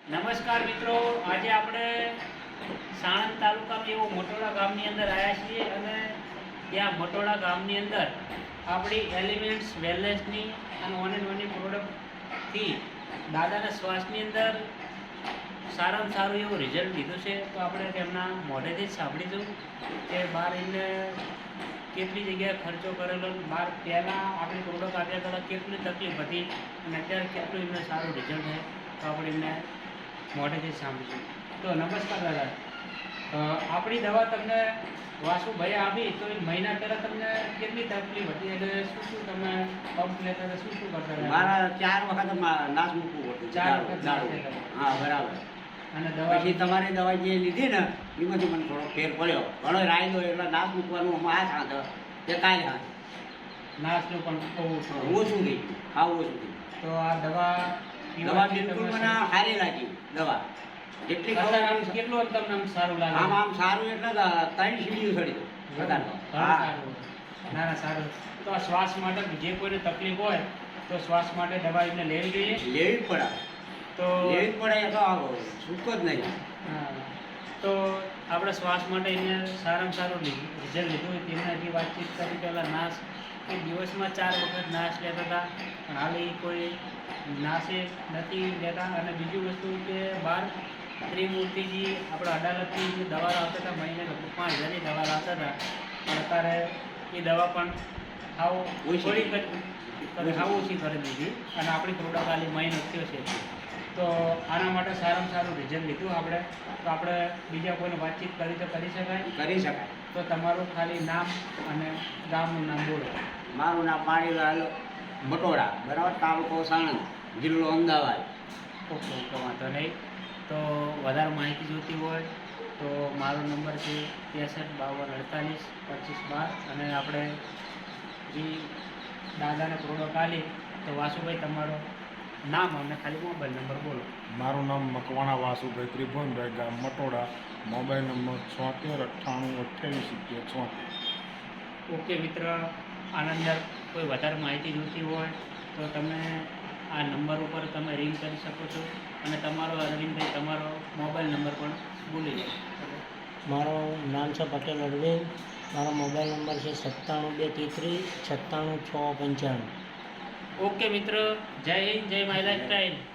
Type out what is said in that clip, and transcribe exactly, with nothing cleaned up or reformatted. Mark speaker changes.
Speaker 1: નમસ્કાર મિત્રો, આજે આપણે સાણંદ તાલુકામાં એવો મોટોડા ગામની અંદર આવ્યા છીએ અને ત્યાં મોટોડા ગામની અંદર આપણી એલિમેન્ટ્સ વેલનેસની અને ઓન એન્ડ ઓનની પ્રોડક્ટથી દાદાના શ્વાસની અંદર સારામાં સારું એવું રિઝલ્ટ લીધું છે. તો આપણે તેમના મોઢેથી જ સાંભળીશું કે બહાર એને કેટલી જગ્યાએ ખર્ચો કરેલો, બહાર પહેલાં આપણી પ્રોડક્ટ આપ્યા પહેલાં કેટલી તકલીફ હતી અને અત્યારે કેટલું એમને સારું રિઝલ્ટ છે. તો આપણે એમને મોઢેથી સાંભળીશું. તો નમસ્કાર દાદા, આપણી દવા તમને વાસુભાઈ આપી તો એ મહિના પહેલાં તમને કેટલી તકલીફ હતી એટલે શું શું તમે પંપ લેતા હતા, શું શું કરતા હતા?
Speaker 2: મારા ચાર વખત નાશ મૂકવું હતું.
Speaker 1: ચાર વખત
Speaker 2: હા બરાબર.
Speaker 1: અને દવા
Speaker 2: પછી તમારી દવા જે લીધી ને એમાંથી મને થોડો ફેર પડ્યો. ઘણો રાયદો એટલે નાશ મૂકવાનું આમાં આ સાંધ તે કાંઈ હાથ
Speaker 1: નાશનું પણ ઓછું
Speaker 2: ઓછું થઈ ગયું. હા ઓછું થઈ ગયું.
Speaker 1: તો આ દવા
Speaker 2: દવા બિલકુલ મને સારી લાગી. દવા જેટલી ખબર
Speaker 1: કેટલું અંતર આમ સારું લાગે?
Speaker 2: આમ આમ સારું એટલે ત્રણ સીડીઓ ચડી દઉં.
Speaker 1: હા ના ના સારું. તો આ શ્વાસ માટે જે કોઈને તકલીફ હોય તો શ્વાસ માટે દવા એમને લેવી જોઈએ.
Speaker 2: લેવી જ પડે.
Speaker 1: તો
Speaker 2: લેવી જ પડે. એ તો આવો સૂકો જ નહીં.
Speaker 1: હા તો આપણે શ્વાસ માટે એને સારામાં સારું રિઝલ્ટ લીધું હોય તેમનાથી વાતચીત કરી પહેલાં નાશ એ દિવસમાં ચાર વખત નાશ લેતા હતા, પણ હાલ એ કોઈ નાશે નથી લેતા. અને બીજી વસ્તુ કે બહાર ત્રિમૂર્તિજી આપણા અડાલતની જે દવા લાવતા હતા, મહિને લગભગ પાંચ હજારની દવા લાવતા હતા, પણ અત્યારે એ દવા પણ હાવ થોડી હાવ ઓછી કરી દીધી અને આપણી પ્રોડક્ટ ખાલી મહિનો થયો છે. તો આના માટે સારામાં સારું રિઝલ્ટ લીધું આપણે. તો આપણે બીજા કોઈને વાતચીત કરી તો કરી શકાય?
Speaker 2: કરી શકાય.
Speaker 1: તો તમારું ખાલી નામ અને ગામનું નામ બોલો.
Speaker 2: મારું નામ પાણીલાલ મટોડા, બરાબર, તાલુકો સાણંદ, જિલ્લો અમદાવાદ.
Speaker 1: ઓકે ઓકે વાંધો નહીં. તો વધારે માહિતી જોઈતી હોય તો મારો નંબર છે ત્રેસઠ બાવન અડતાલીસ પચીસ બાર. અને આપણે જે દાદાને પ્રોડક્ટ આલી તો વાસુભાઈ તમારો નામ અને ખાલી મોબાઈલ નંબર બોલો.
Speaker 3: મારું નામ મકવાણા વાસુભાઈ ત્રિભુવનભાઈ, ગામ મટોડા, મોબાઈલ નંબર છોતેર અઠ્ઠાણું અઠ્યાવીસ સિત્તેર છોતેર.
Speaker 1: ઓકે મિત્ર, આના અંદર કોઈ વધારે માહિતી જોઈતી હોય તો તમે આ નંબર ઉપર તમે રિંગ કરી શકો છો અને તમારો અરવિંદભાઈ તમારો મોબાઈલ નંબર પણ બોલી લો.
Speaker 4: મારું નામ છે પટેલ અરવિંદ. મારો મોબાઈલ નંબર છે સત્તાણું બે તેત્રીસ છત્તાણું છ પંચાણું.
Speaker 1: ઓકે મિત્ર, જય હિન્દ, જય માય લાઈફસ્ટાઈલ.